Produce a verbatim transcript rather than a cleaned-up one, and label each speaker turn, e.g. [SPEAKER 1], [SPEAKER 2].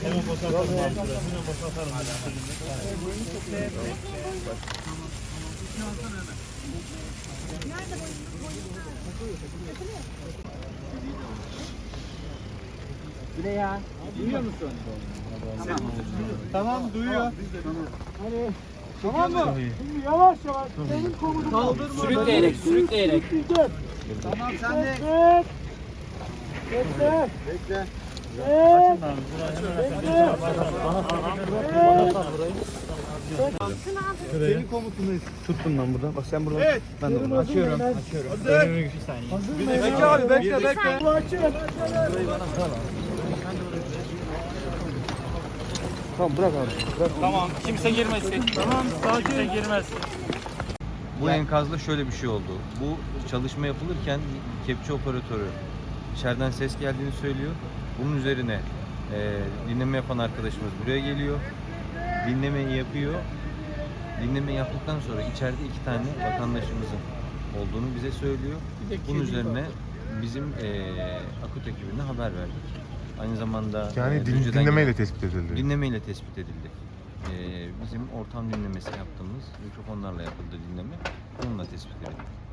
[SPEAKER 1] Hemen boşaltalım abi. Hemen boşaltalım.
[SPEAKER 2] Bile ya. Duyuyor musun? Tamam.
[SPEAKER 1] Tamam duyuyor.
[SPEAKER 2] Hadi.
[SPEAKER 1] Tamam mı?
[SPEAKER 3] Şimdi yavaş yavaş senin komutunu
[SPEAKER 1] Kaldırma.
[SPEAKER 2] Sürükleyerek, sürükleyerek.
[SPEAKER 3] Tamam
[SPEAKER 1] sen de.
[SPEAKER 3] Bekle.
[SPEAKER 1] Bekle.
[SPEAKER 3] Evet.
[SPEAKER 1] Senin komutunu tuttum ben burada. Bak sen burada.
[SPEAKER 3] Evet.
[SPEAKER 1] Ben de burada.
[SPEAKER 3] Açıyorum.
[SPEAKER 1] Açıyorum.
[SPEAKER 3] Hazır.
[SPEAKER 1] Bir saniye.
[SPEAKER 3] Hazır mı?
[SPEAKER 1] Bekle abi bekle bekle.
[SPEAKER 3] Bu açın.
[SPEAKER 1] Tamam bırak abi. Bırak.
[SPEAKER 4] Tamam, kimse girmesin.
[SPEAKER 1] Tamam
[SPEAKER 4] Kimse
[SPEAKER 1] sakin.
[SPEAKER 4] girmez.
[SPEAKER 5] Bu enkazda şöyle bir şey oldu. Bu çalışma yapılırken kepçe operatörü içeriden ses geldiğini söylüyor. Bunun üzerine e, dinleme yapan arkadaşımız buraya geliyor. Dinlemeyi yapıyor. Dinleme yaptıktan sonra içeride iki tane vatandaşımızın olduğunu bize söylüyor. Bunun üzerine bizim e, akut ekibine haber verdik. Aynı zamanda
[SPEAKER 6] Yani
[SPEAKER 5] e,
[SPEAKER 6] din,
[SPEAKER 5] Düzce'den
[SPEAKER 6] dinlemeyle
[SPEAKER 5] gelen-
[SPEAKER 6] tespit edildi.
[SPEAKER 5] Dinlemeyle tespit edildi. Ee, bizim ortam dinlemesi yaptığımız mikrofonlarla yapıldı dinleme. Onunla tespit edildi.